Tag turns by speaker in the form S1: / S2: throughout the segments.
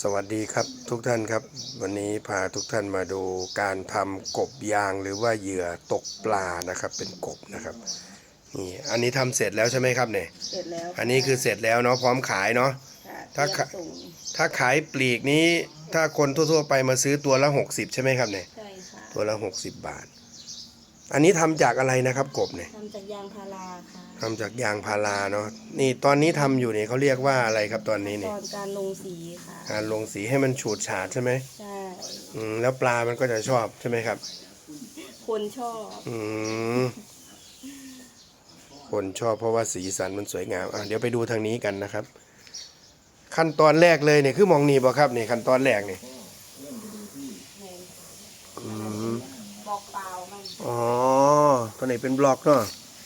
S1: วัสดีครับทุกท่านครับวันนี้พาทุกท่านมาดูการทำกบยางหรือว่าเหยื่อตกปลานะครับเป็นกบนะครับนี่อันนี้ทำเสร็จแล้วใช่ไหมครับเนี่ย
S2: เสร็จแล้ว
S1: อันนี้คือเสร็จแล้วเนาะพร้อมขายเนาะถ้าถ้าขายปลีกนี้ถ้าคนทั่วๆไปมาซื้อตัวละ60ใช่ไหมครับเนี่ย
S2: ใช่ค่ะ
S1: ตัวละ60 บาทอันนี้ทำจากอะไรนะครับกบเนี่ย
S2: ทำจากยางพาราค่ะ
S1: ทำจากยางพาราเนาะนี่ตอนนี้ทำอยู่เนี่ยเขาเรียกว่าอะไรครับตอนนี้
S2: ต
S1: เนี่ย
S2: อนการลงสีค่ะ
S1: การลงสีให้มันฉูดฉาดใช่ไหม
S2: ใช่
S1: แล้วปลามันก็จะชอบใช่ไหมครับ
S2: คนชอบ
S1: คนชอบเพราะว่าสีสันมันสวยงามเดี๋ยวไปดูทางนี้กันนะครับขั้นตอนแรกเลยเนี่ยคือมองนี่บ่ครับนี่ขั้นตอนแรกนี่
S2: บอกเปล่ามัน
S1: อ๋อตัวไหนเป็นบล็อกเนาะ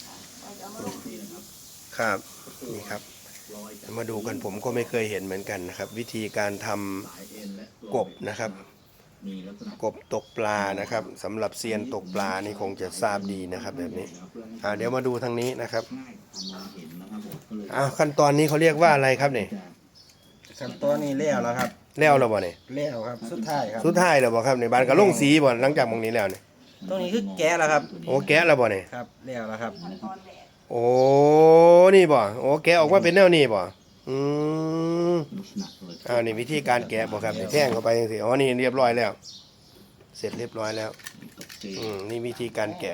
S1: ครับนี่ครับมาดูกันผมก็ไม่เคยเห็นเหมือนกันนะครับวิธีการทำกบนะครับกบตกปลานะครับสำหรับเซียนตกปลานี่คงจะทราบดีนะครับแบบนี้เดี๋ยวมาดูทางนี้นะครับขั้นตอนนี้เขาเรียกว่าอะไรครับเนี่ย
S3: ขั้นตอนนี้แล้วครับ
S1: แล้วบ่เนี่ย
S3: แล้วครับสุดท้ายครับ
S1: สุดท้ายแล้วบ่ครับในบ้านก็ลงสีบ่หลังจากมองนี้แล้วเนี่ย
S3: ตรงนี้คือแกะแล้วครับ
S1: โอ้แกะแล้วบ่เนี่ย
S3: ครับแล้วครับ
S1: โอ้นี่บ่โอ้แกะออกมาเป็นแนวนี้บ่นี่วิธีการแกะบ่ครับแท่งเข้าไปจังซี่นี่เรียบร้อยแล้วเสร็จเรียบร้อยแล้วนี่วิธีการแกะ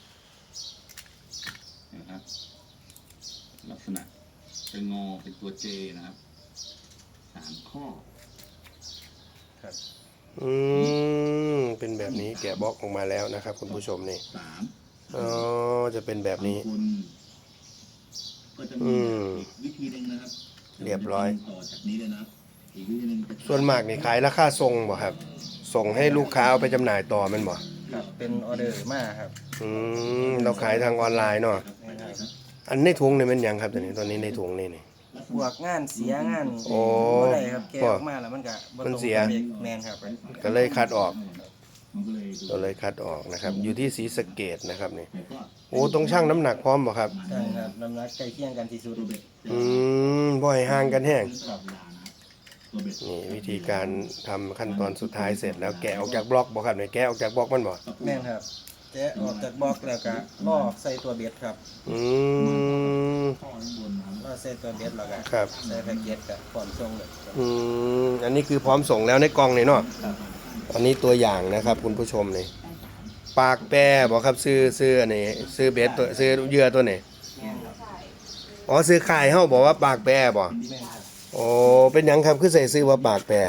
S4: นะครับลักษณะจะงอเป็นตัวเจนะครับ3 ข้อ
S1: ครับเป็นแบบนี้แกะบล็อกออกมาแล้วนะครับคุณผู้ชมนี่จะเป็นแบบนี้
S4: ก็จะมีวิธีหนึ่งนะครับ
S1: เรียบร้อย
S4: ต่อจากนี้เลยนะอีกวิธีนึง
S1: ส่วนมากนี่ขายราคาส่งบ่ครับส่งให้ลูกค้าเอาไปจำหน่ายต่อมันบ่
S3: ครับเป็นออเดอร์มาครับ
S1: เราขายทางออนไลน์เนาะอันในถุงนี่มันยังครับตอนนี้ในถุงนี่
S3: บวกงานเสียงานอะไรครับแกะออกมาแล้ว
S1: มันเสีย
S3: แมนครับ
S1: ก็เลยคัดออกนะครับอยู่ที่ศรีสะเกษนะครับนี่โอ้ต้องชั่งน้ำหนักพร้อมบ่ครับ
S3: ใช่ครับน้ำหนักใกล้เคียงกันที่สุด
S1: บ่อยห่างกันแห้งนี่วิธีการทำขั้นตอนสุดท้ายเสร็จแล้วแกะออกจากบล็อกบ่ครับเนี่ยแกะออกจากบล็อกมันบ่
S3: แม่นครับแกะออกจากบล็อกแล้วก็ล่อใส่ตัวเบ็ดครับล่อใส่ตัวเบ็ดแล้วก็
S1: ครับ
S3: ใส่แพ็กเกจกับพร้อมส่งเลย
S1: อันนี้คือพร้อมส่งแล้วในกล่องนี่เนาะอันนี้ตัวอย่างนะครับคุณผู้ชมนี่ปากแปรบอกครับซื้ออันนี้ซื้อเบ็ดตัวซื้อเหยื่อตัวไหนซื้อขายเฮาบอกว่าปากแปรบ่โอ้เป็นหยังครับคือใส่ซื้อว่าปากแปร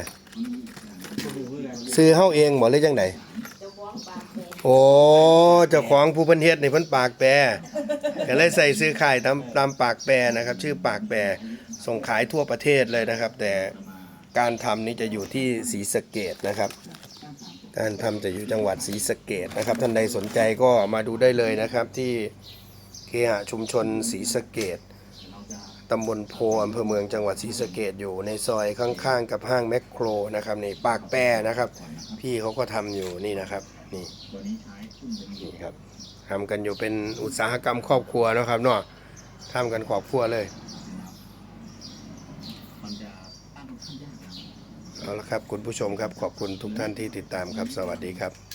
S1: ซื้อเฮาเองบ่หรือจังไดโอ้เจ้าของผู้เพิ่นเฮ็ดนี่เพิ่นปากแปรก็เลยใส่ซื้อขายตามปากแปรนะครับชื่อปากแปรส่งขายทั่วประเทศเลยนะครับแต่การทำนี้จะอยู่ที่ศรีสะเกษนะครับการทำจะอยู่จังหวัดศรีสะเกษนะครับท่านใดสนใจก็มาดูได้เลยนะครับที่เคหะชุมชนศรีสะเกษตำบลโพอำเภอเมืองจังหวัดศรีสะเกษอยู่ในซอยข้างๆกับห้างแมคโครนะครับนี่ปากแปรนะครับพี่เขาก็ทำอยู่นี่นะครับนี่ครับทำกันอยู่เป็นอุตสาหกรรมครอบครัวนะครับเนาะทำกันครอบครัวเลยเอาละครับคุณผู้ชมครับขอบคุณทุกท่านที่ติดตามครับสวัสดีครับ